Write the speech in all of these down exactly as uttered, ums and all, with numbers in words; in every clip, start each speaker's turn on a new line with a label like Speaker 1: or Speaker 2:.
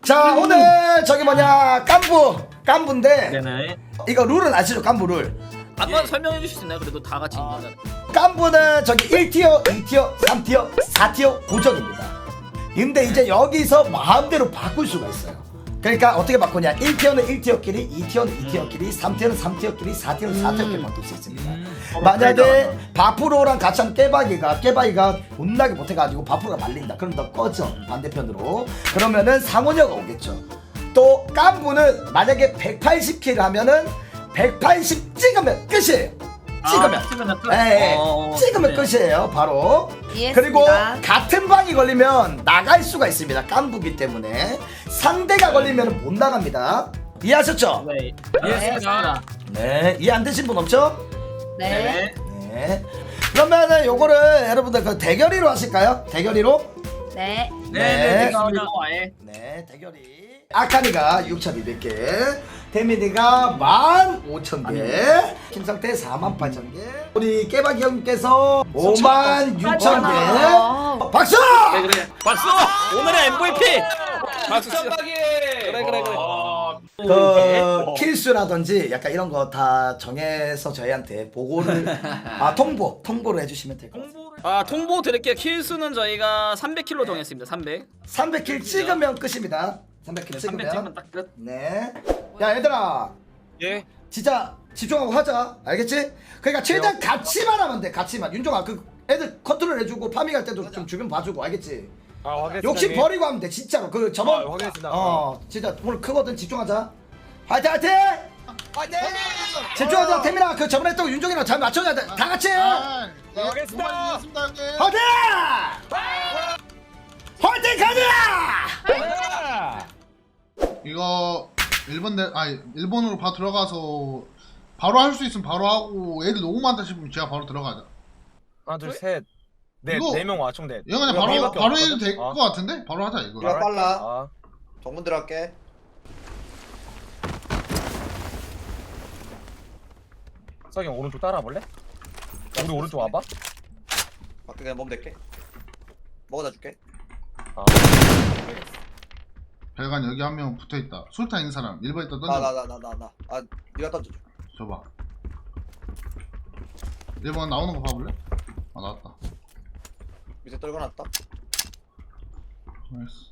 Speaker 1: 자 오늘 저기 뭐냐 깐부 깐부인데
Speaker 2: 네네.
Speaker 1: 이거 룰은 아시죠? 깐부 룰.
Speaker 2: 한번 설명해 주실 수 있나요? 그래도 다 같이 있는
Speaker 1: 깐부는 저기 일 티어, 이 티어, 삼 티어, 사 티어 고정입니다. 근데 이제 여기서 마음대로 바꿀 수가 있어요. 그러니까 어떻게 바꾸냐? 일 티어는 일 티어끼리, 이 티어는 이 티어끼리, 삼 티어는 삼 티어끼리, 사 티어는 사 티어끼리 바꿀 수 있습니다.
Speaker 2: 음.
Speaker 1: 만약에 바프로랑 같이 하면 깨박이가 깨박이가 못나게 못해가지고 바프로가 말린다. 그럼 너 꺼져 반대편으로. 그러면은 상원녀가 오겠죠. 또 깐부는 만약에 백팔십 킬 하면은 백팔십 찍으면 끝이에요. 찍으면
Speaker 2: 아, 찍으면 끝?
Speaker 1: 예,
Speaker 2: 어,
Speaker 1: 찍으면
Speaker 2: 네.
Speaker 1: 끝이에요 바로.
Speaker 3: 이해했습니다.
Speaker 1: 그리고 같은 방이 걸리면 나갈 수가 있습니다. 깐부기 때문에 상대가 걸리면 못 나갑니다. 이해하셨죠?
Speaker 2: 네.
Speaker 3: 이해했습니다.
Speaker 1: 네, 이해 안 되신 분 없죠?
Speaker 3: 네.
Speaker 1: 네. 그러면은 요거를 여러분들 그 대결이로 하실까요? 대결이로?
Speaker 3: 네.
Speaker 1: 네.
Speaker 2: 네네. 감사합니다. 아예.
Speaker 1: 네, 대결이. 아카니가 육천이백 개, 태민이가 만 오천 개, 김상태 사만 팔천 개, 우리 깨박이 형께서 오만 육천 개. 박수!
Speaker 2: 네 그래. 박수. 오늘의 엠브이피. 박수.
Speaker 4: 천박이.
Speaker 2: 그래 그래 그래.
Speaker 1: 그 킬수라든지 약간 이런 거 다 정해서 저희한테 보고를 아 통보 통보를 해주시면 될 것 같아요.
Speaker 2: 아 통보 드릴게요. 킬 수는 저희가 삼백 킬로 정했습니다. 삼백.
Speaker 1: 삼백 킬 찍으면 끝입니다. 삼백 킬
Speaker 2: 삼백
Speaker 1: 찍으면.
Speaker 2: 찍으면 딱 끝.
Speaker 1: 네. 야 얘들아,
Speaker 4: 예.
Speaker 1: 진짜 집중하고 하자. 알겠지? 그러니까 최대한 같이만 하면 돼. 같이만. 윤종아 그 애들 컨트롤 해주고 파밍 할 때도 좀 주변 봐주고 알겠지?
Speaker 4: 아, 확인했습니다.
Speaker 1: 욕심 버리고 하면 돼 진짜로. 그 저번
Speaker 4: 아, 확인했습니다.
Speaker 1: 어 진짜 오늘 크거든. 집중하자. 화이팅 화이팅! 집중하자. 태민아 그 저번에 했던 거 윤종이랑 잘 맞춰야 돼. 다 같이.
Speaker 4: 아, 네, 알겠습니다.
Speaker 1: 화이팅! 화이팅 가자!
Speaker 5: 이거 일본 내 아니 일본으로 바로 들어가서 바로 할 수 있으면 바로 하고 애들 너무 많다 싶으면 제가 바로 들어가자.
Speaker 4: 하나, 둘, 셋. 네,
Speaker 5: 이거-
Speaker 4: 네 명 와, 총 네.
Speaker 5: 이거 그냥
Speaker 4: 우리가
Speaker 5: 바로
Speaker 4: 우리밖에
Speaker 5: 바로
Speaker 4: 없거든?
Speaker 5: 해도 될 것
Speaker 4: 어.
Speaker 5: 같은데? 바로 하자 이거.
Speaker 6: 이거 빨라.
Speaker 4: 아,
Speaker 6: 정문 들어갈게.
Speaker 4: 석이 형 오른쪽 따라와 볼래? 우리 오른쪽 와봐.
Speaker 6: 밖에 그냥 몸 댈게. 먹어다 줄게.
Speaker 4: 아,
Speaker 5: 별관 여기 한 명 붙어 있다. 술탄 있는 사람 일 번 있다 던져.
Speaker 6: 나 나 나 나 나 나. 아 네가 던져줘.
Speaker 5: 줘봐. 일 번 나오는 거 봐볼래? 아 나왔다.
Speaker 6: 밑에 떨궈놨다.
Speaker 5: 나이스.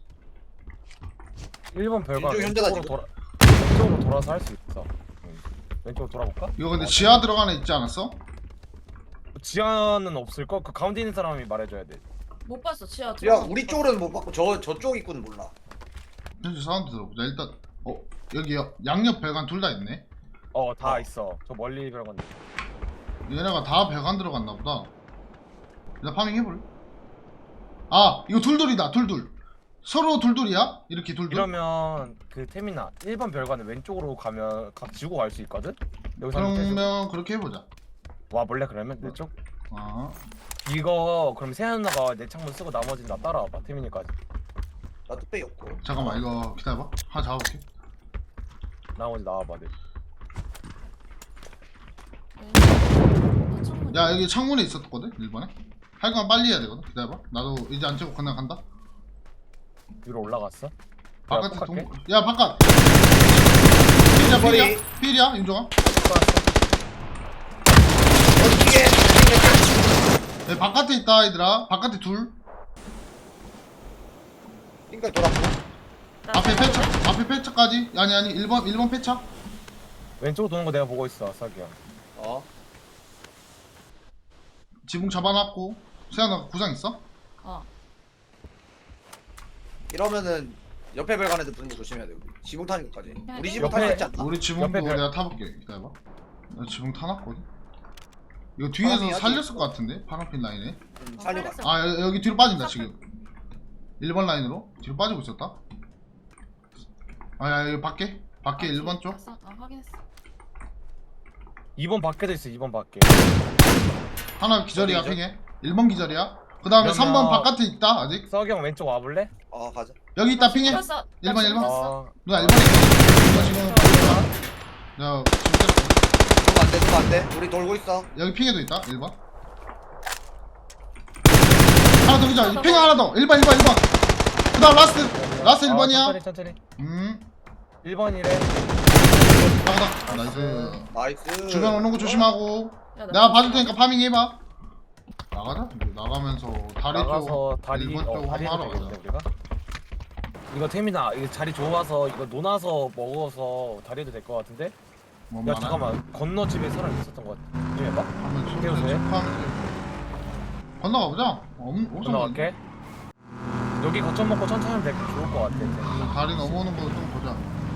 Speaker 4: 일 번 별관
Speaker 6: 왼쪽 현재다,
Speaker 4: 왼쪽으로
Speaker 6: 지금.
Speaker 4: 돌아 왼쪽으로 돌아서 할 수 있어. 응. 왼쪽으로 돌아볼까?
Speaker 5: 이거 근데 지하 들어가는 있지 않았어?
Speaker 4: 지하는 없을 거. 그 가운데 있는 사람이 말해줘야 돼.
Speaker 3: 못 봤어, 치아.
Speaker 6: 야 우리 쪽으로는 못 받고 저 저쪽 입구는 몰라.
Speaker 5: 현재 사운드 들어보자. 일단 어 여기 양옆 별관 둘 다 있네.
Speaker 4: 어, 다 있어. 저 멀리 별관.
Speaker 5: 얘네가 다 별관 들어갔나 보다. 일단 파밍 해볼래? 아 이거 둘둘이다. 둘둘. 서로 둘둘이야? 이렇게 둘둘?
Speaker 4: 이러면 그 태민아 일 번 별관은 왼쪽으로 가면 각 지우고 갈 수 있거든? 여기서 한번 해줘.
Speaker 5: 그러면 그렇게 해보자.
Speaker 4: 와 볼래 그러면 내 쪽?
Speaker 5: 아
Speaker 4: 이거 그럼 세현 누나가 내 창문 쓰고 나머지는 나 따라와봐 태민이까지.
Speaker 6: 나 뚝배기 없고.
Speaker 5: 잠깐만 이거 기다려봐. 하나 잡아볼게.
Speaker 4: 나머지 나와봐 내.
Speaker 5: 야 여기 창문에 있었거든 일 번에. 할 거면 빨리 해야 되거든. 기다려봐. 나도 이제 안 찍고 그냥 간다.
Speaker 4: 위로 올라갔어?
Speaker 5: 바깥에
Speaker 4: 야,
Speaker 5: 동...
Speaker 4: 할게.
Speaker 5: 야 바깥. 필이야
Speaker 6: 머리.
Speaker 5: 필이야 필이야 윤종아.
Speaker 6: 어디에?
Speaker 5: 야, 바깥에 있다 얘들아. 바깥에 둘.
Speaker 6: 핑까지 돌았고.
Speaker 5: 앞에 폐차. 앞에 폐차까지. 아니 아니 일 번 일 번 폐차.
Speaker 4: 왼쪽으로 도는 거 내가 보고 있어 석이 형.
Speaker 6: 어.
Speaker 5: 지붕 잡아놨고. 세연아 구상 있어?
Speaker 3: 어.
Speaker 6: 이러면은 옆에 별관 애들 붙는 거 조심해야 돼. 우리. 지붕 타는 것까지. 우리 지붕
Speaker 4: 옆에-
Speaker 6: 탈 수 있지 않나?
Speaker 5: 우리 지붕도
Speaker 4: 옆에 별-
Speaker 5: 내가 타볼게. 기다려봐. 나 지붕 타놨거든. 이거 뒤에서
Speaker 6: 파란색이
Speaker 5: 살렸을 것 같은데 파란핀 라인에.
Speaker 6: 음, 살려봐.
Speaker 5: 아 여- 여기 뒤로 빠진다 지금. 일 번 라인으로 뒤로 빠지고 있었다. 아야 여기 밖에 밖에 일 번 쪽.
Speaker 3: 봤어? 아, 확인했어.
Speaker 4: 이 번 밖에도 있어 이 번 밖에.
Speaker 5: 하나 기절이야
Speaker 6: 어디죠?
Speaker 5: 핑에. 일 번 기절이야. 그 다음에
Speaker 4: 그러면-
Speaker 5: 삼 번 바깥에 있다 아직.
Speaker 4: 석이 형 왼쪽 와볼래?
Speaker 6: 어 가자.
Speaker 5: 여기 있다 핑에.
Speaker 3: 봤어.
Speaker 5: 일 번, 일 번?
Speaker 4: 어.
Speaker 5: 누나 일 번에 있어. 너 지금 야 지금 때렸어.
Speaker 6: 누가 안돼 누가 안돼. 우리 돌고 있어.
Speaker 5: 여기 핑에도 있다 일 번. 하나 더 기절. 핑에 하나 더. 일 번 일 번 일 번. 그 그다음 라스트 라스트 일
Speaker 4: 아,
Speaker 5: 번이야.
Speaker 4: 천천히 천천히.
Speaker 5: 음
Speaker 4: 일 번이래.
Speaker 5: 나가다 나이스.
Speaker 6: 나이스.
Speaker 5: 주변 오는 거 조심하고.
Speaker 3: 야, 나
Speaker 5: 내가 봐줄 테니까 파밍 해봐. 나가자. 이제 나가면서 다리
Speaker 4: 나가서
Speaker 5: 쪽
Speaker 4: 다리
Speaker 5: 일번
Speaker 4: 어
Speaker 5: 쪽
Speaker 4: 다리
Speaker 5: 한번 하러
Speaker 4: 되겠네
Speaker 5: 가자.
Speaker 4: 우리가. 이거 태민아 이거 자리 좋아서 이거 논아서 먹어서 다리도 될 것 같은데?
Speaker 5: 뭔
Speaker 4: 야
Speaker 5: 말이야?
Speaker 4: 잠깐만 건너 집에 사람 있었던 것 같아. 좀 해봐.
Speaker 5: 한번
Speaker 4: 태우세요.
Speaker 5: 체크하면서 건너가 보자. 엄청
Speaker 4: 건너갈게. 여기 거점 먹고 천천히 하면 될 좋을 것 같아. 태민아.
Speaker 5: 다리 넘어오는 거 좀 보자.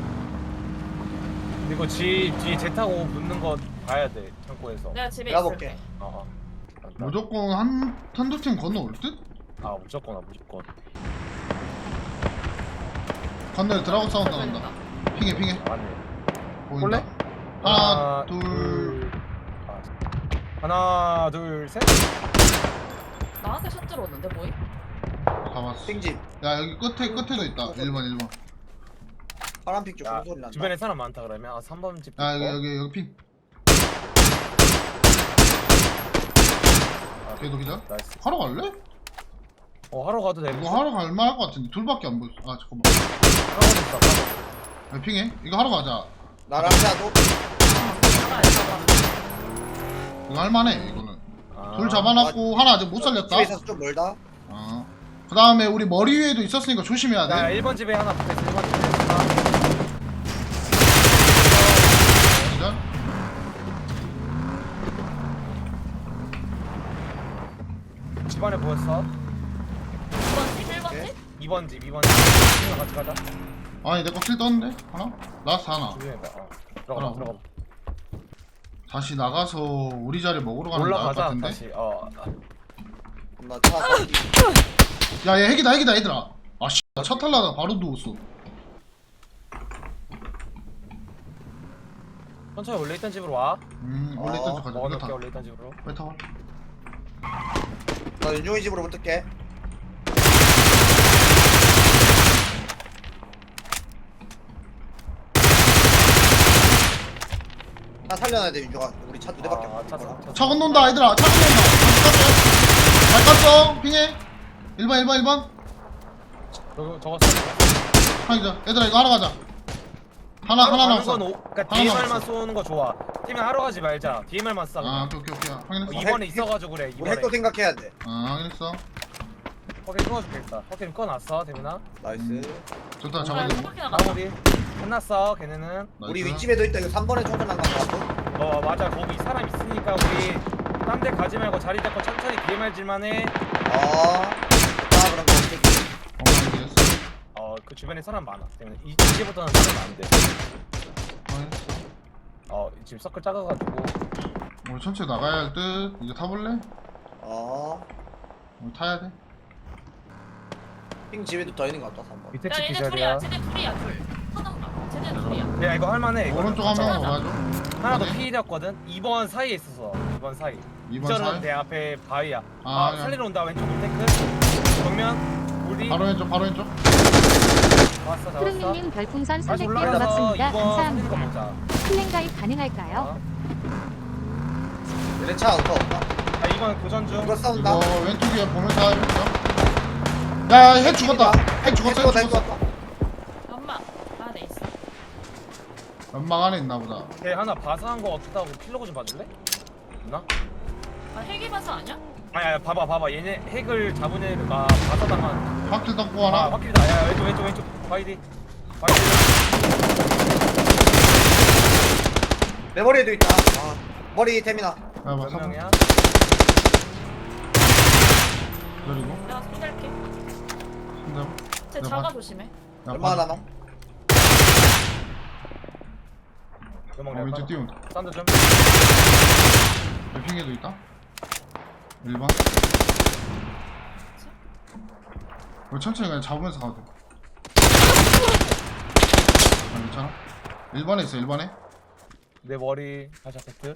Speaker 4: 그리고 지 뒤에 제 타고 붙는 거 봐야 돼 창고에서.
Speaker 3: 내가 집에
Speaker 6: 내가
Speaker 3: 있을게.
Speaker 6: 볼게.
Speaker 4: 어, 어.
Speaker 5: 무조건 한 한두 팀 건너올 듯?
Speaker 4: 아 무조건 아 무조건.
Speaker 5: 건너에 드라곤 사운드 난다. 핑해 핑해.
Speaker 4: 안해.
Speaker 5: 보인다.
Speaker 4: 볼래?
Speaker 5: 하나 둘.
Speaker 4: 아, 하나 둘 셋.
Speaker 3: 나한테 샷 들어오는데 뭐이?
Speaker 5: 가봤어.
Speaker 6: 핑집.
Speaker 5: 야 여기 끝에 끝에도 있다. 일 번 일 번.
Speaker 6: 파란 핑쪽
Speaker 4: 야,
Speaker 6: 소리 난다.
Speaker 4: 주변에 사람 많다 그러면 아 삼 번 집.
Speaker 5: 야 여기
Speaker 4: 있고.
Speaker 5: 여기 여기 핑.
Speaker 4: 아,
Speaker 5: 걔도 기다.
Speaker 4: 나이스.
Speaker 5: 하러 갈래?
Speaker 4: 어 하러 가도 돼.
Speaker 5: 이거 하러 갈 만할 것 같은데 둘밖에 안 보였어. 아 잠깐만.
Speaker 4: 하러 가도 있어. 하러.
Speaker 5: 야, 핑해. 이거 하러 가자.
Speaker 6: 나랑 자도
Speaker 3: 나가 나가.
Speaker 5: 이거 할만해 이거는.
Speaker 4: 아,
Speaker 5: 둘 잡아놨고 하나 아직 못 살렸다.
Speaker 6: 집에 있어서 좀 멀다.
Speaker 5: 어. 그 다음에 우리 머리 위에도 있었으니까 조심해야
Speaker 4: 야
Speaker 5: 돼.
Speaker 4: 일 번 집에 하나 붙어있어. 일 번 집에 하나.
Speaker 5: 기절.
Speaker 4: 집안에 보였어.
Speaker 3: 일 번 집, 일 번
Speaker 6: 오케이.
Speaker 3: 집?
Speaker 4: 이 번 집, 이 번 집. 친구랑 같이 가자.
Speaker 5: 아니 내 거 킬 떴는데 하나? 라스트 하나.
Speaker 4: 조심해봐. 어. 들어가,
Speaker 5: 하나.
Speaker 4: 들어가.
Speaker 5: 다시 나가서 우리 자리 먹으러 가는 게 나을 것
Speaker 4: 올라가자
Speaker 5: 같은데.
Speaker 4: 다시. 어.
Speaker 6: 나차
Speaker 5: 야얘 핵이다 핵이다 얘들아. 아씨 나 차 탈라다 바로 누웠어.
Speaker 4: 천천히 원래 있던 집으로 와.
Speaker 5: 음 원래 있던 집 가자. 이거
Speaker 4: 먹어놓을게
Speaker 5: 타.
Speaker 4: 원래 있던 집으로.
Speaker 5: 빨리 타.
Speaker 6: 나 윤종이 집으로 붙을게. 나 살려놔야 돼 윤종아. 우리 차 두 대밖에
Speaker 4: 아,
Speaker 6: 없어.
Speaker 4: 차, 차, 차.
Speaker 5: 차 건너온다 얘들아. 차 건너온다. 잘 깠어. 핑해. 일 번 일 번 일 번.
Speaker 4: 저거 저거 써.
Speaker 5: 하나 기절. 얘들아 이거 하러 가자. 하나 하나 남았어.
Speaker 4: 그러니까
Speaker 5: 하나
Speaker 4: 디엠알만
Speaker 5: 남았어.
Speaker 4: 쏘는 거 좋아. 팀에 하러 가지 말자. 디엠알만 쏴.
Speaker 5: 아
Speaker 4: 그냥.
Speaker 5: 오케이 오케이 오케이.
Speaker 4: 어,
Speaker 5: 확인했어.
Speaker 4: 이번에
Speaker 6: 핵-
Speaker 4: 있어가지고 그래.
Speaker 6: 우리
Speaker 4: 이번에.
Speaker 6: 핵도 생각해야 돼.
Speaker 5: 아 확인했어.
Speaker 4: 허켓 끊어줄겠다. 허켓 끊어놨어, 대민아.
Speaker 6: 나이스.
Speaker 5: 좋다
Speaker 3: 아,
Speaker 5: 잡아줘.
Speaker 3: 한 바퀴 나갔다.
Speaker 4: 마무리. 끝났어, 걔네는.
Speaker 6: 우리
Speaker 5: 나이스.
Speaker 6: 윗집에도 있다. 이거 삼 번에 총선 난거 같고.
Speaker 4: 어, 맞아. 거기 사람 있으니까 우리 딴 데 가지 말고 자리 잡고 천천히 디엠알 질만 해.
Speaker 6: 아. 나 그런 거 없게.
Speaker 5: 엉망이 됐어.
Speaker 4: 어, 그 주변에 사람 많아. 때문에 이, 이제부터는 사람 안 돼.
Speaker 5: 확인했어.
Speaker 4: 어, 지금 서클 작아가지고.
Speaker 5: 우리 천천히 나가야 할 듯. 이제 타볼래?
Speaker 6: 아.
Speaker 5: 우리 타야 돼.
Speaker 6: 핑 집에도 더 있는 거 같다. 삼 번.
Speaker 4: 밑에
Speaker 3: 야
Speaker 4: 집
Speaker 3: 얘네
Speaker 4: 기절이야.
Speaker 3: 둘이야. 쟤네 둘이야 둘. 하나인가? 쟤네 둘이야.
Speaker 4: 야, 이거 할만해. 이거.
Speaker 5: 오른쪽 한 명 와줘.
Speaker 4: 하나 더
Speaker 5: 네.
Speaker 4: 피일이었거든. 이 번 사이에 있었어. 이 번 사이.
Speaker 5: 이 번
Speaker 4: 기절은
Speaker 5: 사이.
Speaker 4: 내 앞에 바위야.
Speaker 5: 아,
Speaker 4: 아,
Speaker 5: 그냥.
Speaker 4: 살리러 온다. 왼쪽 탱크. 정면. 우리.
Speaker 5: 바로 왼쪽 바로 왼쪽.
Speaker 4: 왔어, 잡았어.
Speaker 7: 푸른님님 별풍선
Speaker 4: 다시
Speaker 7: 삼백 개
Speaker 4: 올라가서
Speaker 7: 고맙습니다.
Speaker 4: 이번 살리는 거
Speaker 7: 감사합니다.
Speaker 4: 먹자.
Speaker 7: 클랜 가입 가능할까요?
Speaker 4: 어.
Speaker 6: 얘네 차 없다 없다.
Speaker 4: 아, 이번 교전 중.
Speaker 6: 이거 싸운다.
Speaker 5: 이거 왼쪽에 보면서 해볼까? 야, 핵 죽었다. 핵 죽었어, 핵
Speaker 6: 핵
Speaker 5: 죽었어.
Speaker 6: 죽었다.
Speaker 3: 엄마 안에 있어.
Speaker 5: 연막 안에 있나 보다.
Speaker 4: 걔 하나 바사한 거 같기도 하고 필로그 좀 봐줄래? 있나?
Speaker 3: 아 헬기 바사 아니야?
Speaker 4: 아니 아니 봐봐 봐봐 얘네 핵을 잡은 애가 바사당한
Speaker 5: 확킬 떴고
Speaker 4: 아
Speaker 5: 하나.
Speaker 4: 확실히다 야 왼쪽 왼쪽 왼쪽 바이디 바이디
Speaker 6: 내 머리에도 있다. 아. 머리 태민아.
Speaker 5: 야, 봐,
Speaker 4: 몇
Speaker 5: 사번.
Speaker 4: 명이야?
Speaker 5: 그리고
Speaker 3: 내가 손댈게.
Speaker 5: 한대.
Speaker 3: 쟤
Speaker 5: 야,
Speaker 3: 자가
Speaker 5: 봐.
Speaker 3: 조심해.
Speaker 5: 야,
Speaker 6: 얼마나
Speaker 5: 봐.
Speaker 6: 남아?
Speaker 4: 몇명
Speaker 5: 어, 왼쪽
Speaker 4: 내가
Speaker 5: 띄운다.
Speaker 4: 싼도 좀
Speaker 5: 핑계도 있다. 일 번. 우리 천천히 그냥 잡으면서 가도 돼. 아, 괜찮아? 일 번에 있어, 일 번에.
Speaker 4: 내 머리 다시 세트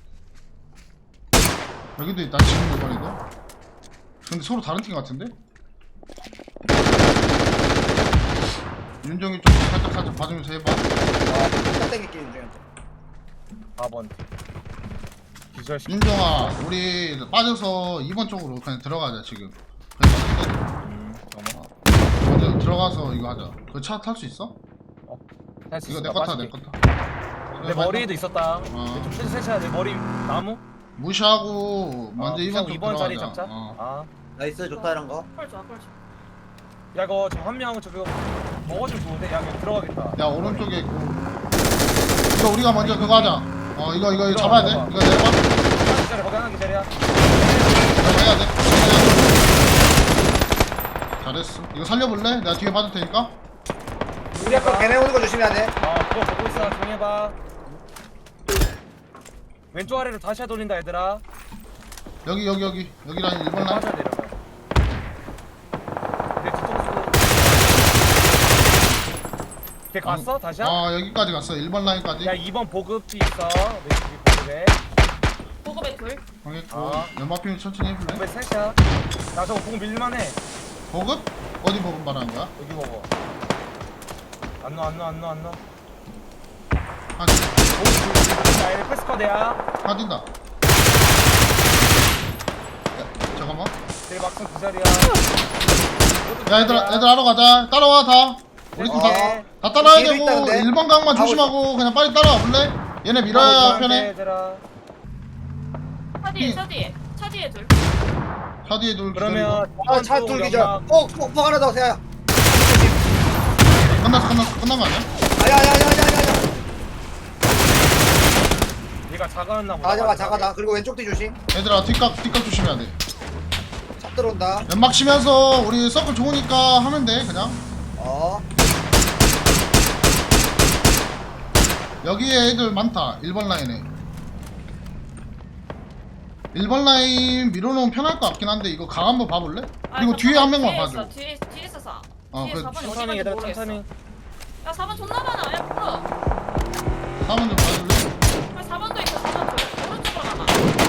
Speaker 5: 여기도 있다, 지금 일 번에도. 근데 서로 다른 팀 같은데? 윤정이 좀 살짝 살짝 봐주면서 해봐.
Speaker 6: 아, 딱 땡길게 윤종이한테.
Speaker 4: 사 번 기절시키
Speaker 5: 윤정아, 우리 빠져서 이 번 쪽으로 그냥 들어가자, 지금. 그래서
Speaker 4: 음 잠깐만
Speaker 5: 먼저 들어가서 이거 하자. 그 차 탈 수 있어?
Speaker 4: 할수
Speaker 5: 이거
Speaker 4: 있어.
Speaker 5: 내 거 타,
Speaker 4: 빠질게.
Speaker 5: 내 거 타.
Speaker 4: 내 머리에도 있었다.
Speaker 5: 어.
Speaker 4: 좀 세차 세차 내 머리 나무.
Speaker 5: 무시하고 먼저
Speaker 4: 어,
Speaker 5: 이 번 쪽
Speaker 4: 이번 자리
Speaker 5: 들어가자.
Speaker 4: 잡자.
Speaker 5: 어.
Speaker 4: 아.
Speaker 6: 나이스 좋다 이런 거.
Speaker 3: 펄 좋아 펄 좋아.
Speaker 4: 야 이거 저 한 명은 저거 먹어주면 좋은데 야 이거 들어가겠다.
Speaker 5: 야 오른쪽에 있고. 이거 우리가 먼저 그거 하자. 어 이거 이거 이거 잡아야 돼.
Speaker 4: 들어가,
Speaker 5: 이거 내려봐.
Speaker 4: 하나 기다려 거기 하나 기다려.
Speaker 5: 이거 해야 돼. 잘했어. 이거 살려볼래? 내가 뒤에 봐줄 테니까.
Speaker 6: 우리 아까 걔네 오는 거 조심해야 돼.
Speaker 4: 어 그거 보고 있어. 조용히 해봐. 왼쪽 아래로 다시 돌린다 얘들아.
Speaker 5: 여기 여기 여기 여기랑 일 번 라인.
Speaker 4: 빠져야 돼 이러면. 내 뒤통수. 걔 갔어? 다시야?
Speaker 5: 어 여기까지 갔어. 일 번 라인까지.
Speaker 4: 야 이 번 보급이 있어. 왼쪽이 보급에.
Speaker 3: 보급에 둘.
Speaker 5: 방했고.
Speaker 4: 아.
Speaker 5: 연막핀 천천히 해볼래?
Speaker 4: 보급에 셋이야. 나 저거 보급 밀만해.
Speaker 5: 보급? 어디 보급 말하는 거야?
Speaker 4: 여기 먹어. 안 넣어 안 넣어 안 넣어 안 넣어.
Speaker 5: 한,
Speaker 4: 자 얘네 패스커드야.
Speaker 5: 한 뛴다. 야, 잠깐만.
Speaker 4: 내 막상 그 자리야.
Speaker 5: 야 얘들아 얘들 하러 가자. 따라와 다. 우리 팀 다 다 따라야
Speaker 6: 뒤에도
Speaker 5: 되고
Speaker 6: 있다, 근데.
Speaker 5: 일 번 강만
Speaker 6: 가고
Speaker 5: 조심하고 그냥 빨리 따라와 볼래? 얘네 밀어야 편해.
Speaker 4: 얘들아.
Speaker 3: 차 뒤에
Speaker 5: 이-
Speaker 3: 차 뒤에 차 뒤에 둘.
Speaker 5: 차 뒤에 둘 기다리고.
Speaker 4: 그러면
Speaker 6: 아차
Speaker 4: 오른쪽
Speaker 6: 뚫기자.
Speaker 4: 연막.
Speaker 6: 어 폭폭 하나 더 세야.
Speaker 5: 끝났어 끝났어 끝난 거 아니야?
Speaker 6: 아야야야야야야.
Speaker 4: 얘가 작아였나 보다.
Speaker 6: 아 잠깐 잠깐다. 그리고 왼쪽 뒤 조심.
Speaker 5: 얘들아 뒷각 뒷각 조심해야 돼.
Speaker 6: 차 들어온다.
Speaker 5: 연막 치면서 우리 서클 좋으니까 하면 돼 그냥.
Speaker 6: 어.
Speaker 5: 여기에 애들 많다. 일 번 라인에. 일 번 라인 밀어놓으면 편할 것 같긴 한데 이거 강 한번 봐볼래?
Speaker 3: 아,
Speaker 5: 그리고 뒤에 한 명만
Speaker 3: 뒤에
Speaker 5: 봐줘.
Speaker 3: 있어, 뒤에 뒤에 있어서.
Speaker 5: 어,
Speaker 3: 뒤에
Speaker 5: 그
Speaker 3: 사 번 어디
Speaker 4: 천천히
Speaker 3: 간지
Speaker 4: 얘들아
Speaker 3: 모르겠어.
Speaker 4: 천천히.
Speaker 3: 야 사 번 존나 많아. 야 풀어.
Speaker 5: 한번 좀 봐줄래?
Speaker 3: 야 사 번도 있어 사 번 둘. 오른쪽으로 가봐.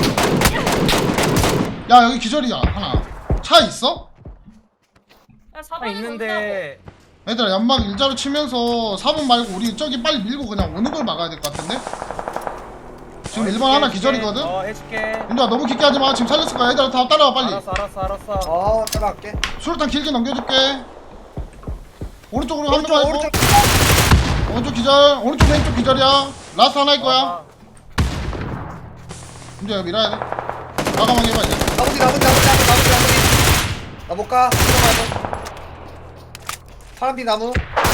Speaker 5: 야 여기 기절이야 하나. 차 있어?
Speaker 3: 야 사
Speaker 4: 아
Speaker 3: 번에
Speaker 4: 있는데
Speaker 5: 얘들아 연막 일자로 치면서 사 번 말고 우리 저기 빨리 밀고 그냥 오는 걸 막아야 될 것 같은데? 지금
Speaker 4: 어,
Speaker 5: 일 번 하나
Speaker 4: 해줄게,
Speaker 5: 기절이거든?
Speaker 4: 어 해줄게.
Speaker 5: 윤주아 너무 깊게 하지마. 지금 살렸을 거야. 얘들아 다 따라와 빨리.
Speaker 4: 알았어 알았어 알았어.
Speaker 6: 어 따라갈게.
Speaker 5: 수류탄 길게 넘겨줄게. 오른쪽으로 한
Speaker 6: 오른쪽
Speaker 5: 번만
Speaker 6: 오른쪽.
Speaker 5: 해줘. 오른쪽 기절. 오른쪽 왼쪽 기절이야. 라스트 하나일 거야.
Speaker 4: 아,
Speaker 5: 윤주아 밀어야 돼. 과감하게 해봐 이제.
Speaker 6: 나머지 나머지 나머지 나머지 나머지 나머지. 나못 가. 들어가야 돼. 파란빛 나무.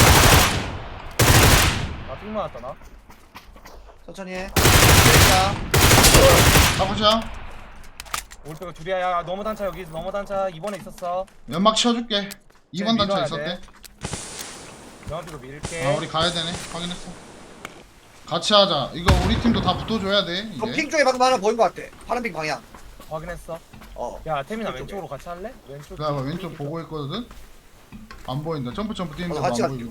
Speaker 4: 나삥 맞았다 나.
Speaker 6: 천천히 해. 됐다.
Speaker 5: 가보자.
Speaker 4: 오른쪽에 둘이야. 야 너무 단차 여기 너무 단차 이번에 있었어.
Speaker 5: 연막 치워줄게. 이 번 단차
Speaker 4: 밀어야
Speaker 5: 있었대.
Speaker 4: 돼. 영화비로 밀게.
Speaker 5: 아 우리 가야 되네. 확인했어. 같이 하자. 이거 우리 팀도 다 붙어줘야 돼.
Speaker 6: 저
Speaker 5: 이제.
Speaker 6: 핑 쪽에 방금 하나 보인 것 같아. 파란빛 방향.
Speaker 4: 확인했어.
Speaker 6: 어.
Speaker 4: 야 태민아
Speaker 6: 왼쪽에.
Speaker 4: 왼쪽으로 같이 할래? 왼쪽.
Speaker 5: 그다음에 왼쪽 보고 있거든. 안 보인다. 점프 점프 뛰는
Speaker 6: 어,
Speaker 5: 거안
Speaker 6: 같이
Speaker 5: 보이고.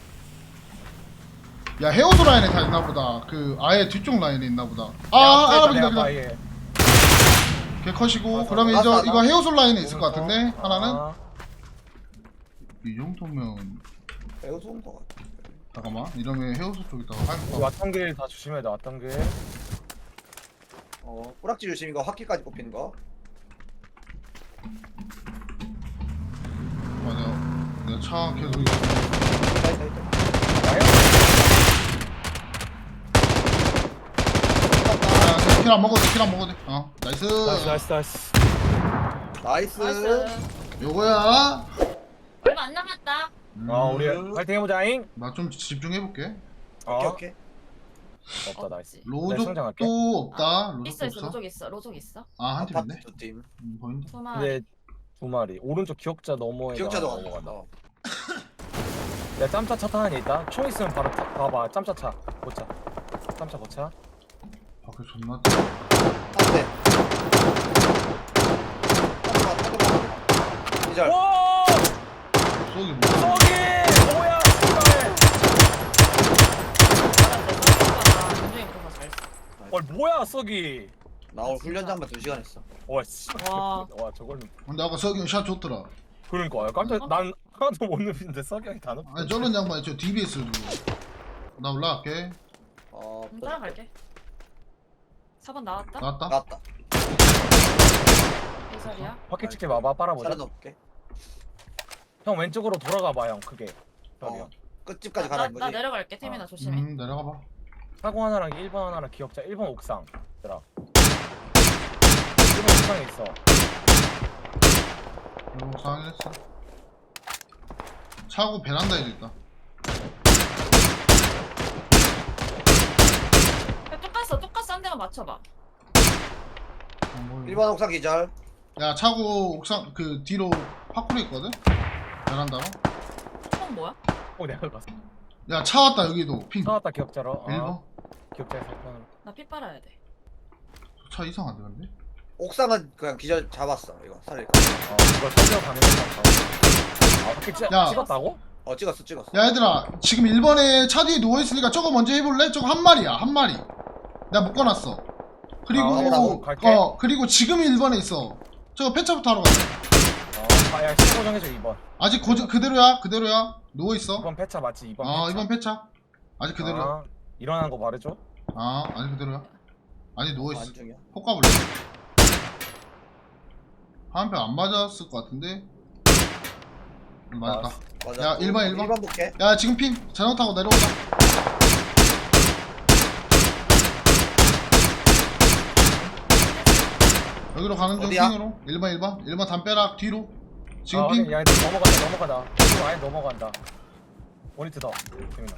Speaker 5: 야 헤어도 라인에 다 있나 보다. 그 아예 뒤쪽 라인에 있나 보다. 아 알아보인다 그냥.
Speaker 4: 예.
Speaker 5: 걔 컷이고.
Speaker 4: 맞아.
Speaker 5: 그러면
Speaker 6: 맞아,
Speaker 5: 이제
Speaker 6: 맞아.
Speaker 5: 이거 헤어솔 라인에 있을 것 같은데 하나는.
Speaker 4: 아,
Speaker 5: 이 정도면
Speaker 6: 매우 좋은 것 같아.
Speaker 5: 잠깐만. 이러면 헤어솔 쪽에다가
Speaker 4: 우리
Speaker 5: 할까?
Speaker 4: 왔던 길 다 조심해야 돼. 왔던 길.
Speaker 6: 어 뿌락지 조심 이거 화기까지 뽑히는 거.
Speaker 5: 맞아. 내가 차 계속 이거.
Speaker 6: 있다 있다 있다.
Speaker 5: 야, 킬안 먹어도 돼. 킬안 먹어도 돼. 어, 나이스.
Speaker 4: 나이스 나이스 나이스.
Speaker 6: 나이스.
Speaker 3: 나이스.
Speaker 5: 요거야.
Speaker 3: 얼마 안 남았다.
Speaker 4: 어 우리 파이팅 해보자잉.
Speaker 5: 나 좀 집중해 볼게.
Speaker 4: 어
Speaker 6: 오케이 오케이.
Speaker 4: 없다 나이스. 내
Speaker 5: 로족도
Speaker 4: 성장할게.
Speaker 5: 없다.
Speaker 3: 있어
Speaker 5: 로족도
Speaker 3: 있어
Speaker 5: 없어.
Speaker 3: 로족 있어 로족 있어.
Speaker 5: 아, 한 팀인데?
Speaker 6: 아파트 두 팀.
Speaker 5: 음, 보인다.
Speaker 3: 두 마리.
Speaker 4: 근데 두 마리. 오른쪽 기억자 너머에.
Speaker 6: 기억자도
Speaker 4: 넘어간다.
Speaker 6: 어.
Speaker 4: 야 짬차 차 타는 애 있다. 총 있으면 바로 타, 봐봐. 짬차 차. 고차. 짬차 고차.
Speaker 5: 밖에 존나.
Speaker 6: 한 대. 타들어가 타들어가. 기절.
Speaker 4: 와!
Speaker 5: 쏘기 뭐.
Speaker 4: 저기 뭐야? 씨발.
Speaker 3: 굉장히 그런 거잘 써.
Speaker 4: 어 뭐야 썩이.
Speaker 6: 나 오늘 훈련장만 두 시간 했어.
Speaker 4: 와 씨.
Speaker 3: 와.
Speaker 4: 와 저걸로.
Speaker 5: 근데 아까 석이 샷 좋더라.
Speaker 4: 그러니까 깜짝 난 하나도 못 누비는데 썩이 형이 다 누비.
Speaker 5: 아니 저런 양반이 저 디비에스를 두고. 나 올라갈게.
Speaker 6: 어.
Speaker 3: 음, 따라갈게. 사 번 나왔다.
Speaker 5: 나왔다.
Speaker 6: 나왔다.
Speaker 3: 이 자리야.
Speaker 4: 바퀴 찍게 봐봐. 빨아보자.
Speaker 6: 살아놓을게.
Speaker 4: 형 왼쪽으로 돌아가봐 형 크게. 저기요.
Speaker 6: 어. 끝집까지
Speaker 3: 나,
Speaker 6: 가라는
Speaker 3: 나
Speaker 6: 거지.
Speaker 3: 내려갈게. 태민아
Speaker 4: 어.
Speaker 3: 조심해.
Speaker 5: 음 내려가봐.
Speaker 4: 사고 하나랑 일 번 하나랑 기억자 일 번 옥상. 얘들아. 일 번 옥상에 있어.
Speaker 5: 이거 상했어. 차고 베란다에도 있다.
Speaker 3: 야, 똑같어. 똑같어. 한 대만 맞춰봐.
Speaker 5: 어, 뭐
Speaker 6: 일 번 옥상 기절.
Speaker 5: 야 차고 옥상 그 뒤로 파쿠르 있거든? 베란다로.
Speaker 3: 총 뭐야?
Speaker 4: 어 내가 봤어.
Speaker 5: 야 차 왔다 여기도 핑.
Speaker 4: 사왔다 기억자로.
Speaker 5: 일 번.
Speaker 4: 아, 기억자에서 일 번으로.
Speaker 3: 나 피 빨아야 돼.
Speaker 5: 차 이상한데 근데?
Speaker 6: 옥상은 그냥 기절 잡았어. 이거 살릴까?
Speaker 4: 어 이걸 살려 가는 건가? 아 그렇게
Speaker 5: 야.
Speaker 4: 찍었다고?
Speaker 6: 어 찍었어 찍었어.
Speaker 5: 야 얘들아 지금 일 번에 차 뒤에 누워있으니까 저거 먼저 해볼래? 저거 한 마리야 한 마리. 내가 묶어놨어. 그리고
Speaker 4: 아,
Speaker 6: 해라고?
Speaker 4: 갈게.
Speaker 5: 어 그리고 지금 일 번에 있어. 저거 폐차부터 하러 가자.
Speaker 4: 어, 아, 야, 시고 정해줘 이 번.
Speaker 5: 아직 고, 그대로야 그대로야 누워있어.
Speaker 4: 이 번 패차 맞지? 이 번
Speaker 5: 아
Speaker 4: 패차.
Speaker 5: 이번 폐차. 아직 그대로야.
Speaker 4: 아, 일어난 거 말해줘.
Speaker 5: 아 아직 그대로야. 아직 누워있어.
Speaker 6: 안중이야.
Speaker 5: 폭 가볼래? 한 표 안 맞았을 것 같은데. 음, 맞았다.
Speaker 6: 맞아.
Speaker 5: 야, 일 번, 일 번.
Speaker 6: 일 번 볼게.
Speaker 5: 야 지금 핑 자전거 타고 내려온다. 여기로 가는 중
Speaker 6: 어디야?
Speaker 5: 핑으로. 일 번 일 번 일 번 담벼락 뒤로. 지금
Speaker 4: 아,
Speaker 5: 핑.
Speaker 4: 야, 이제 넘어간다, 넘어간다. 지금 아예 넘어간다. 원히트 더. 재민아.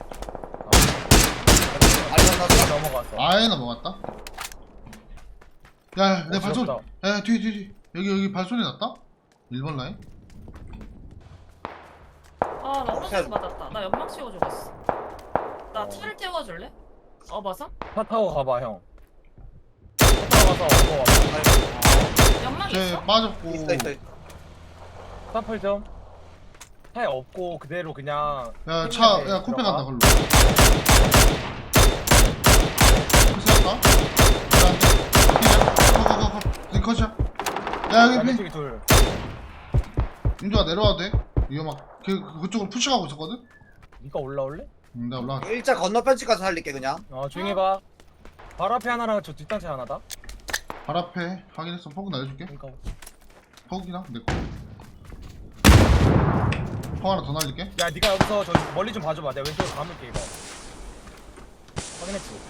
Speaker 4: 아,
Speaker 6: 알리 건넜어?
Speaker 4: 넘어갔어.
Speaker 5: 아예 넘어갔다. 야, 내
Speaker 4: 어,
Speaker 5: 발소리.
Speaker 4: 귀엽다.
Speaker 5: 야, 뒤, 뒤, 뒤. 여기, 여기 발소리 났다? 일 번 라인?
Speaker 3: 아, 나
Speaker 6: 어,
Speaker 3: 오른쪽에서 맞았다. 나 연막 씌워주고 있어. 나
Speaker 4: 어.
Speaker 3: 차를 태워줄래? 어, 맞아?
Speaker 4: 차 타고 가봐, 형. 차 타고 가서 얻고 와봐.
Speaker 3: 연막
Speaker 5: 쟤
Speaker 3: 있어?
Speaker 5: 빠졌고.
Speaker 6: 있어 있어 있어.
Speaker 4: 스타플 좀. 차에 없고 그대로 그냥.
Speaker 5: 야, 차, 야, 코페
Speaker 4: 들어가.
Speaker 5: 간다, 걸로. 컷이었다? 컷, 컷, 컷, 컷. 이 컷이야. 야,
Speaker 4: 야,
Speaker 5: 여기 핑.
Speaker 4: 왼쪽에 둘.
Speaker 5: 윤주아 내려와도 돼? 이거 막, 그, 그- 그쪽으로 푸시하고 있었거든?
Speaker 4: 니가 올라올래?
Speaker 5: 응, 내가 올라가.
Speaker 6: 일자 건너편 집 가서 살릴게 그냥.
Speaker 4: 어, 조용히 해봐. 바로 앞에 하나랑 저 뒷단체 하나다.
Speaker 5: 발 앞에 확인했어. 포크 날려줄게.
Speaker 4: 그러니까.
Speaker 5: 포크이나? 내 거. 포 하나 더 날릴게.
Speaker 4: 야, 니가 여기서 저 멀리 좀 봐줘봐. 내가 왼쪽으로 감을게 이거. 확인했지?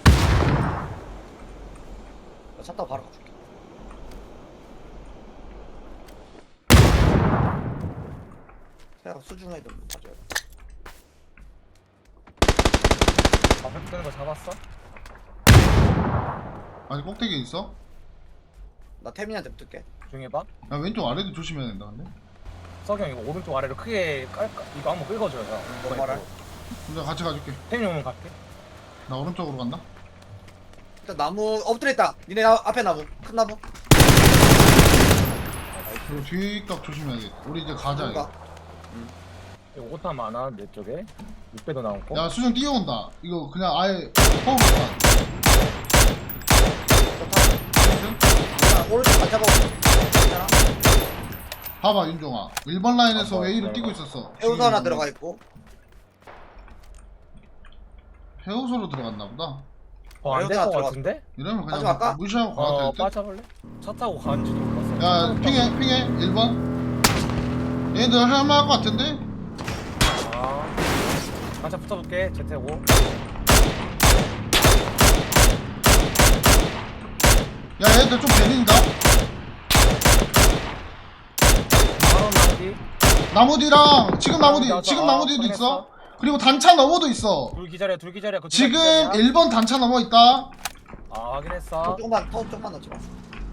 Speaker 6: 나 차 타고 바로 가줄게. 생각 수중에 좀 가져야 돼.
Speaker 4: 앞에 붙는 거 잡았어?
Speaker 5: 아직 꼭대기에 있어?
Speaker 6: 나 태민이한테 붙을게.
Speaker 4: 조용히 해봐.
Speaker 5: 야, 왼쪽 아래도 조심해야 된다, 근데.
Speaker 4: 석영 이거 오른쪽 아래로 크게 깔까? 이거 한번 긁어줘요 형.
Speaker 6: 뭐 말할?
Speaker 5: 윤주아 같이 가줄게.
Speaker 4: 태민이 오면 갈게.
Speaker 5: 나 오른쪽으로 간다.
Speaker 6: 일단 나무 엎드려 있다. 니네 나, 앞에 나무. 큰 나무.
Speaker 5: 그리고 뒷각 조심해야겠다. 우리 이제 가자, 이거.
Speaker 6: 뭔가.
Speaker 4: 이거 오타 많아 내 쪽에. 육 배도 나오고.
Speaker 5: 야, 수정 뛰어온다. 이거 그냥 아예 허우로 가.
Speaker 6: 야, 오른쪽 안 잡아. 괜찮아?
Speaker 5: 봐봐, 윤종아. 일 번 라인에서
Speaker 4: 아, 뭐,
Speaker 5: A로
Speaker 4: 내가
Speaker 5: 뛰고
Speaker 4: 봐.
Speaker 5: 있었어.
Speaker 6: 해우소 하나 들어가 있고.
Speaker 5: 해우소로 들어갔나 보다.
Speaker 4: 어, 안 될
Speaker 6: 여기다
Speaker 4: 것
Speaker 6: 들어갔어.
Speaker 5: 네.
Speaker 4: 같은데?
Speaker 5: 이러면 그냥
Speaker 6: 가져갈까?
Speaker 5: 무시하고 가도
Speaker 4: 어
Speaker 5: 될 듯?
Speaker 4: 빠져볼래? 차 타고 가는지도 몰랐어.
Speaker 5: 야, 핑해, 핑해. 일 번. 얘들 할만할 것 같은데?
Speaker 4: 아. 반차 붙어볼게. 제태고.
Speaker 5: 야, 얘들 좀 베린다?
Speaker 4: 바로 나오기.
Speaker 5: 나무 뒤랑, 지금 나무 뒤,
Speaker 4: 나무
Speaker 5: 지금
Speaker 4: 아,
Speaker 5: 나무 뒤도
Speaker 4: 확인했어.
Speaker 5: 있어. 그리고 단차 너머도 있어.
Speaker 4: 둘 기절이야 둘 기절이야. 그
Speaker 5: 지금
Speaker 4: 기절이야.
Speaker 5: 일 번 단차 넘어 있다.
Speaker 4: 아 확인했어.
Speaker 6: 더 조금만 더 조금만 넣지 마.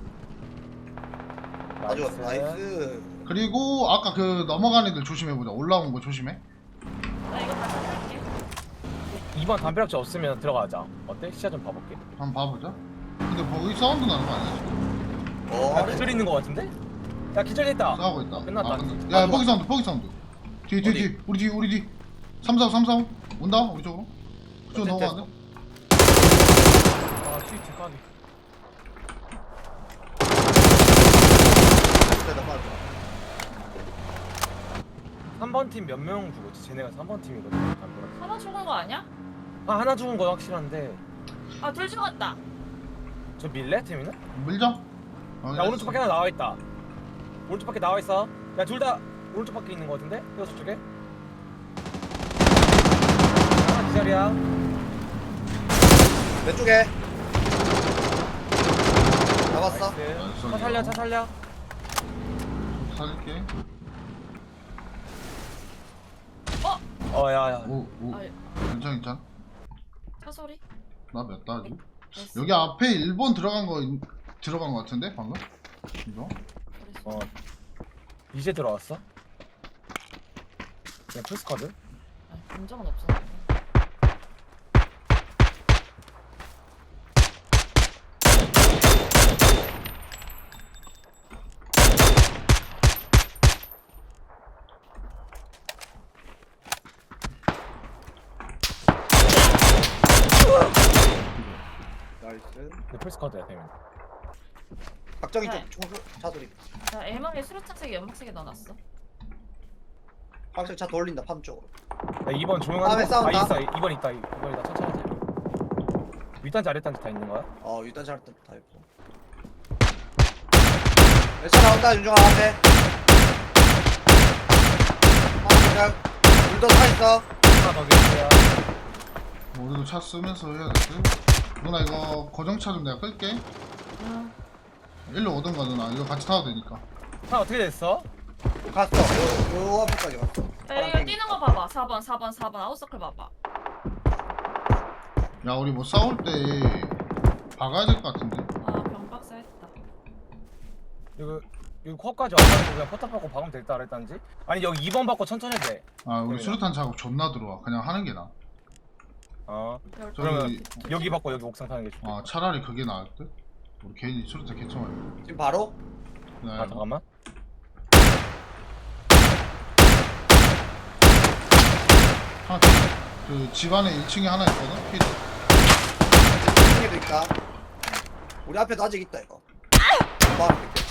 Speaker 6: 아주
Speaker 4: 나이스.
Speaker 6: 나이스.
Speaker 5: 그리고 아까 그 넘어가는 애들 조심해보자. 올라온 거 조심해.
Speaker 3: 나 이거 다 찾을게.
Speaker 4: 이 번 담벼락지 없으면 들어가자. 어때? 시야 좀 봐볼게.
Speaker 5: 한번 봐보자. 근데 거기 사운드 나는 거 아니야?
Speaker 6: 어.
Speaker 4: 야 기절 있는 거 같은데? 야 기절했다.
Speaker 5: 싸우고 있다.
Speaker 4: 끝났다.
Speaker 5: 아, 끝났다. 야, 포기 사운드, 포기 사운드. 뒤, 뒤,
Speaker 6: 어디?
Speaker 5: 뒤. 우리 뒤, 우리 뒤. 삼사오, 삼사오. 온다, 우리 쪽으로. 그쪽으로
Speaker 6: 어쨌든.
Speaker 5: 넘어가네.
Speaker 4: 아 트위트 까비. 삼 번 팀 몇 명 죽었지? 쟤네가 삼 번 팀이거든. 담벼락.
Speaker 3: 하나 죽은 거 아니야?
Speaker 4: 아 하나 죽은 거 확실한데.
Speaker 3: 아, 둘 죽었다.
Speaker 4: 저 밀래 팀이는?
Speaker 5: 밀자. 어,
Speaker 4: 야 오른쪽 밖에 하나 나와 있다. 오른쪽 밖에 나와 있어. 야 둘 다 오른쪽 밖에 있는 거 같은데? 이거 저쪽에? 하나 기절이야.
Speaker 6: 내 쪽에. 잡았어.
Speaker 4: 나이스. 차 살려 차 살려.
Speaker 5: 살릴게.
Speaker 4: 어 야야.
Speaker 5: 오, 오.
Speaker 3: 아,
Speaker 5: 괜찮, 괜찮.
Speaker 3: 차 소리?
Speaker 5: 나 몇 다지?
Speaker 3: 됐어.
Speaker 5: 여기 앞에 일 번 들어간 거, 있- 들어간 거 같은데, 방금? 이거?
Speaker 3: 그랬어.
Speaker 4: 어 이제 들어왔어? 그냥 풀스쿼드?
Speaker 3: 아니, 본 적은 없어.
Speaker 6: 나이스.
Speaker 4: 근데 풀스쿼드야 되면.
Speaker 6: 박정희
Speaker 3: 네.
Speaker 6: 쪽 총소 차 소리.
Speaker 3: 나 M항에 수류탄색에 연막색에 넣어놨어.
Speaker 6: 확실히 차 돌린다 팜 쪽으로.
Speaker 4: 야 이번
Speaker 6: 다음에
Speaker 4: 조용한데?
Speaker 6: 싸운다.
Speaker 4: 아 있어 이번 있다 이번 있다 천천히 하자. 윗단지 아랫단지 다 있는 거야?
Speaker 6: 어 일단 잘다 있고. 차 나온다 윤종아 앞에. 아 그냥 물도 타 있어.
Speaker 4: 하나 더 계세요.
Speaker 5: 우리도 차 쓰면서 해야 돼. 누나, 이거 고정차 좀 내가 끌게.
Speaker 3: 응.
Speaker 5: 일로 오던가, 누나. 이거 같이 타도 되니까.
Speaker 4: 차 어떻게 됐어?
Speaker 6: 갔어. 요, 요 앞에까지 갔어.
Speaker 3: 야, 이거 뛰는 거 봐봐. 사 번, 사 번, 사 번 아웃서클 봐봐.
Speaker 5: 야, 우리 뭐 싸울 때 박아야 될 것 같은데?
Speaker 3: 아, 병박사 했다.
Speaker 4: 이거 여기 코앞까지 와가지고 그냥 포탑 받고 박으면 될다 그랬단지? 아니 여기 이 번 받고 천천히 해도 돼.
Speaker 5: 아, 우리
Speaker 4: 그래요.
Speaker 5: 수류탄 작업 존나 들어와. 그냥 하는 게 나아.
Speaker 4: 어
Speaker 3: 별-
Speaker 4: 그러면
Speaker 5: 저기,
Speaker 4: 여기 받고 여기 옥상 타는 게 좋아.
Speaker 5: 아, 차라리 그게 나을 듯? 우리 개인이 수류탄 개청할
Speaker 6: 지금 바로?
Speaker 5: 네.
Speaker 4: 아 잠깐만.
Speaker 5: 하나 더. 그 집안에 일 층에 하나 있거든? 피드.
Speaker 6: 중에도 있다. 우리 앞에도 아직 있다 이거. 바로 뺄게.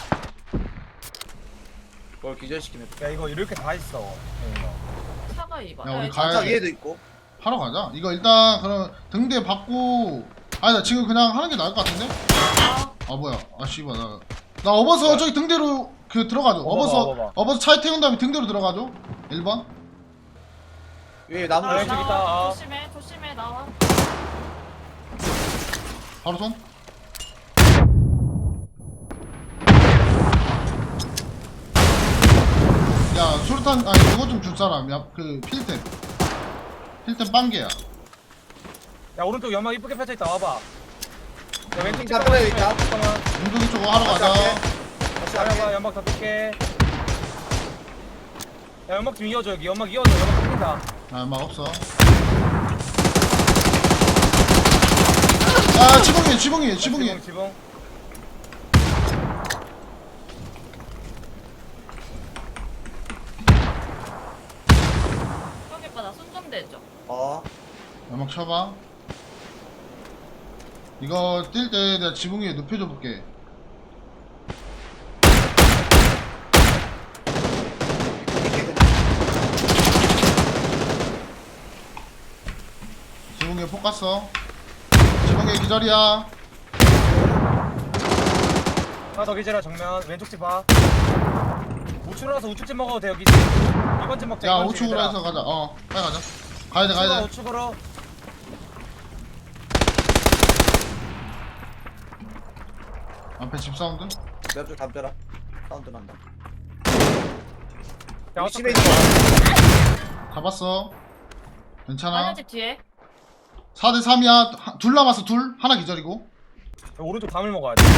Speaker 6: 그걸 기절시키면
Speaker 4: 야 이거 이렇게 다 있어. 네,
Speaker 3: 차가 이 번.
Speaker 5: 야, 우리
Speaker 3: 야,
Speaker 5: 가야
Speaker 6: 차
Speaker 5: 돼.
Speaker 6: 위에도 있고.
Speaker 5: 하러 가자. 이거 일단 그럼 등대 받고 아니 나 지금 그냥 하는 게 나을 것 같은데?
Speaker 3: 아,
Speaker 5: 아 뭐야? 아 씨발 나. 나 업어서 저기 등대로 그 들어가죠.
Speaker 4: 업어봐,
Speaker 5: 업어서
Speaker 4: 업어봐.
Speaker 5: 업어서 차에 태운 다음에 등대로 들어가죠. 일 번.
Speaker 6: 위에 나무
Speaker 3: 아,
Speaker 4: 왼쪽
Speaker 6: 조심.
Speaker 4: 있다.
Speaker 3: 나와.
Speaker 4: 아.
Speaker 3: 조심해, 조심해, 나와.
Speaker 5: 바로 손. 야 수류탄 아니 그거 좀 줄 사람. 야그 필템. 필템 빵개야.
Speaker 4: 야 오른쪽 연막 이쁘게 펼쳐 있다. 와봐. 야 왼쪽
Speaker 6: 차 끌어야 있다.
Speaker 4: 잠깐만.
Speaker 5: 운동이 쪽으로 하러
Speaker 6: 다시
Speaker 5: 가자.
Speaker 6: 할게. 다시
Speaker 4: 알아봐
Speaker 6: 할게.
Speaker 4: 연막 다 뜰게. 야 연막 좀 이어줘 여기 연막 이어줘 연막 뜯긴다.
Speaker 5: 아, 막 없어. 아, 지붕이에, 지붕이에, 지붕이에.
Speaker 4: 지붕 지붕.
Speaker 3: 여기 오빠 나손 좀 대줘.
Speaker 6: 어.
Speaker 5: 연막 쳐봐. 이거 뛸 때 내가 지붕 위에 눕혀줘 볼게. 지붕 위에 폭 갔어. 지붕 위에 기절이야.
Speaker 4: 하나 더 기절아 정면 왼쪽 집 봐. 우측으로 와서 우측 집 먹어도 돼 여기. 이번 집 먹자.
Speaker 5: 야,
Speaker 4: 이번 집
Speaker 5: 우측으로
Speaker 4: 얘들아.
Speaker 5: 해서 가자. 어, 빨리 가자. 가야 돼, 가야 돼.
Speaker 4: 우측으로.
Speaker 5: 앞에 집 사운드.
Speaker 6: 내 앞쪽 담벼라. 사운드 난다.
Speaker 4: 야
Speaker 6: 우리 집에
Speaker 4: 어떡해.
Speaker 6: 있는 거.
Speaker 5: 잡았어. 괜찮아.
Speaker 3: 마녀 집 뒤에.
Speaker 5: 사 대 삼이야. 둘 남았어, 둘. 하나 기절이고.
Speaker 4: 야, 오른쪽 담을 먹어야 돼.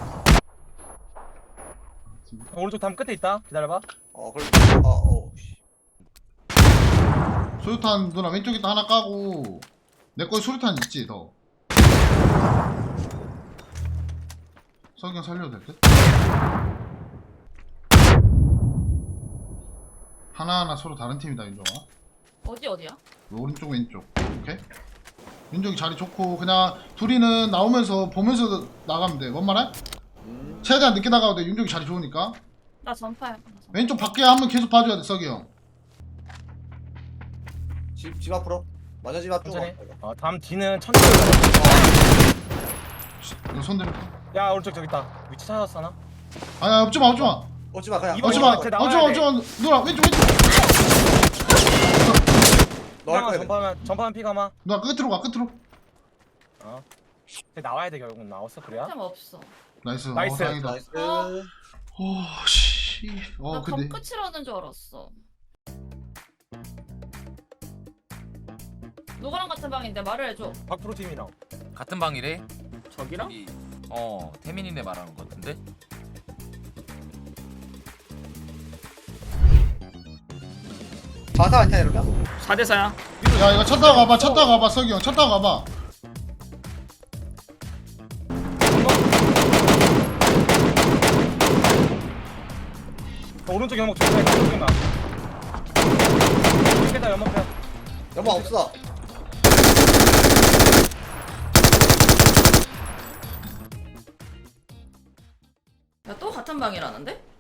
Speaker 4: 오른쪽 담 끝에 있다. 기다려봐.
Speaker 6: 어 그럼. 어 어. 씨.
Speaker 5: 수류탄 누나 왼쪽에다 하나 까고 내 거에 수류탄 있지 더. 석영 살려도 될 듯? 하나하나 서로 다른 팀이다 윤종아.
Speaker 3: 어디 어디야?
Speaker 5: 오른쪽 왼쪽. 오케이? 윤종이 자리 좋고 그냥 둘이는 나오면서 보면서 나가면 돼. 뭔 말해?
Speaker 6: 음.
Speaker 5: 최대한 늦게 나가도 돼. 윤종이 자리 좋으니까.
Speaker 3: 나 전파야. 나 전파.
Speaker 5: 왼쪽 밖에 한 번 계속 봐줘야 돼 석이 형.
Speaker 6: 집, 집 앞으로. 마녀 집 앞쪽.
Speaker 4: 천천히.
Speaker 6: 어,
Speaker 4: 어, 담 뒤는 천천히.
Speaker 5: 이거 손 대면.
Speaker 4: 야 오른쪽 저기 있다. 위치 찾았어 나?
Speaker 5: 아야 없지마 없지마.
Speaker 6: 오지마 그냥.
Speaker 4: 이번
Speaker 5: 어쩌마
Speaker 4: 이번 나와야
Speaker 5: 어쩌마
Speaker 4: 돼.
Speaker 5: 어쩌마 누나 왼쪽 왼쪽
Speaker 6: 너할
Speaker 4: 피가마
Speaker 6: 거야.
Speaker 4: 전파하면 전파하면 피가마.
Speaker 5: 누나 끝으로 가 끝으로
Speaker 4: 어. 근데 나와야 돼 결국 나왔어 그래야?
Speaker 3: 템 없어.
Speaker 5: 나이스
Speaker 4: 나이스.
Speaker 5: 어, 다행이다
Speaker 6: 나이스.
Speaker 5: 오씨 어
Speaker 3: 나
Speaker 5: 근데
Speaker 3: 덤끝이라는 줄 알았어. 누구랑 같은 방인데 말을 해줘.
Speaker 4: 박프로 팀이랑.
Speaker 8: 같은 방이래?
Speaker 2: 저기랑?
Speaker 8: 이, 어 태민이네 말하는 것 같은데?
Speaker 6: 자사 아니야 이러면?
Speaker 2: 사 대 사야.
Speaker 5: 야 이거 쳤다가 가봐 쳤다가 가봐 석이 형 쳤다가 가봐
Speaker 4: 어, 오른쪽 연목 조심해. 오른쪽 나. 이렇게다 연목 펴.
Speaker 6: 연마 없어.
Speaker 3: 야 또 같은 방이라는데?